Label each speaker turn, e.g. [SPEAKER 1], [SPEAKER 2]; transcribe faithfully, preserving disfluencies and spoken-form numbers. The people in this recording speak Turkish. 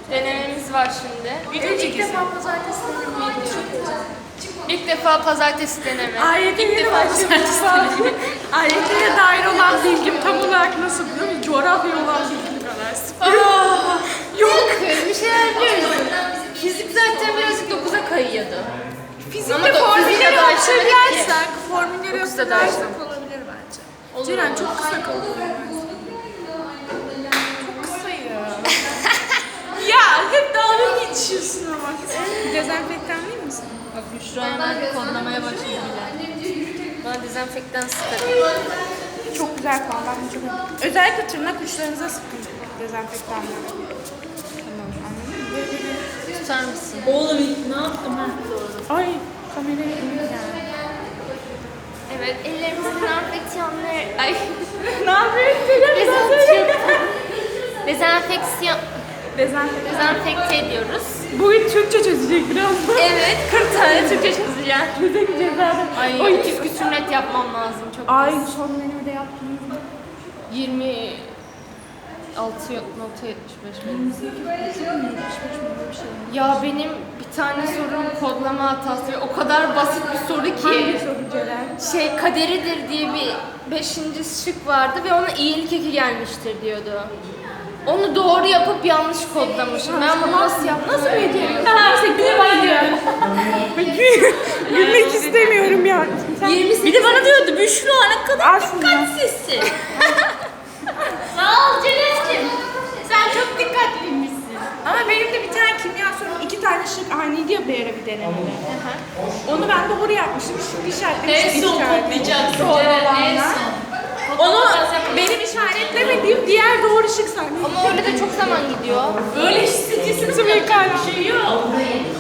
[SPEAKER 1] Denememiz var şimdi.
[SPEAKER 2] Video ilk defa pazartesi deneme.
[SPEAKER 1] İlk defa pazartesi deneme.
[SPEAKER 2] Ayetlere başlamışım. Ayetlere dair olan bilgim tam olarak nasıl biliyor musun? Coğrafya olan bilgim kadar.
[SPEAKER 1] Aa,
[SPEAKER 2] Yok.
[SPEAKER 1] bir şeyler biliyoruz. Fizik zaten birazcık dokuza kayıyordu.
[SPEAKER 2] Fizikte
[SPEAKER 1] Ama da
[SPEAKER 2] formülleri
[SPEAKER 1] fizikte de
[SPEAKER 2] hatırlarsak, formülleri
[SPEAKER 1] dokuzda da
[SPEAKER 2] hatırlarsak
[SPEAKER 1] açtım.
[SPEAKER 2] olabilir bence.
[SPEAKER 1] Olur,
[SPEAKER 2] Ceren
[SPEAKER 1] olur.
[SPEAKER 2] çok kısa kalıyor. Çok kısa ya. Ya hep dalga geçiyorsun ama. Dezenfektan değil misin?
[SPEAKER 1] Bak Büşra hemen kodlamaya başladı bile. Bana dezenfektan sıkarım.
[SPEAKER 2] Çok güzel kan. Ben de çok özellikle tırnak uçlarınıza sıkın dezenfektanları. Tamam, anladın mı? Böyle böyle.
[SPEAKER 1] Tutar mısın?
[SPEAKER 3] Oğlum ne yaptım ben?
[SPEAKER 2] Ay kameraya emin yani.
[SPEAKER 1] Evet, ellerimizin enfeksiyonları... Ay,
[SPEAKER 2] Ne yapıyorsun?
[SPEAKER 1] dezenfeksiyon... Dezenfeksiyon...
[SPEAKER 2] Dezenfektan.
[SPEAKER 1] Dezenfekte ediyoruz.
[SPEAKER 2] Bugün Türkçe çözecek biraz.
[SPEAKER 1] Evet, kırk tane Türkçe çözeceğim.
[SPEAKER 2] Çözemeyeceğiz zaten.
[SPEAKER 1] Ay,
[SPEAKER 2] Oy.
[SPEAKER 1] otuz küsür net yapmam lazım. Çok
[SPEAKER 2] Ay
[SPEAKER 1] az.
[SPEAKER 2] son menüde yaptınız mı?
[SPEAKER 1] yirmi altı nokta yetmiş beş benim. Ya benim bir tane sorum kodlama hatası ve o kadar basit bir soru
[SPEAKER 2] Hangi
[SPEAKER 1] ki.
[SPEAKER 2] soru Ceren?
[SPEAKER 1] Şey kaderidir diye bir beşinci şık vardı ve ona iyilik eki gelmiştir diyordu. Onu doğru yapıp yanlış kodlamışım. Ben bunu nasıl yaptım? Nasıl ödeyeyim?
[SPEAKER 2] Neyse gülme. Gülmek istemiyorum ya. Sen
[SPEAKER 3] Bir de bana diyordu Büşra ne kadar
[SPEAKER 2] al şunu.
[SPEAKER 3] dikkatsizsin. Sağ ol Ceren'cim. Sen çok dikkatliymişsin.
[SPEAKER 2] Ama benim de bir tane kimya sorum iki tane şık aynıydı ya bir ara bir denemede. Onu ben doğru yapmışım. Şimdi işaretlemişim.
[SPEAKER 3] En son
[SPEAKER 2] işaret.
[SPEAKER 3] kodlayacaksın
[SPEAKER 2] Doğru
[SPEAKER 3] Ceren, en
[SPEAKER 2] olanlar.
[SPEAKER 3] son.
[SPEAKER 2] Onu benim işaretlemediğim diğer doğru şık sandım.
[SPEAKER 1] Ama orada da çok zaman gidiyor.
[SPEAKER 3] Böyle hissediyorsun.
[SPEAKER 2] Sıvı yıkayla.
[SPEAKER 3] Bir şey yok.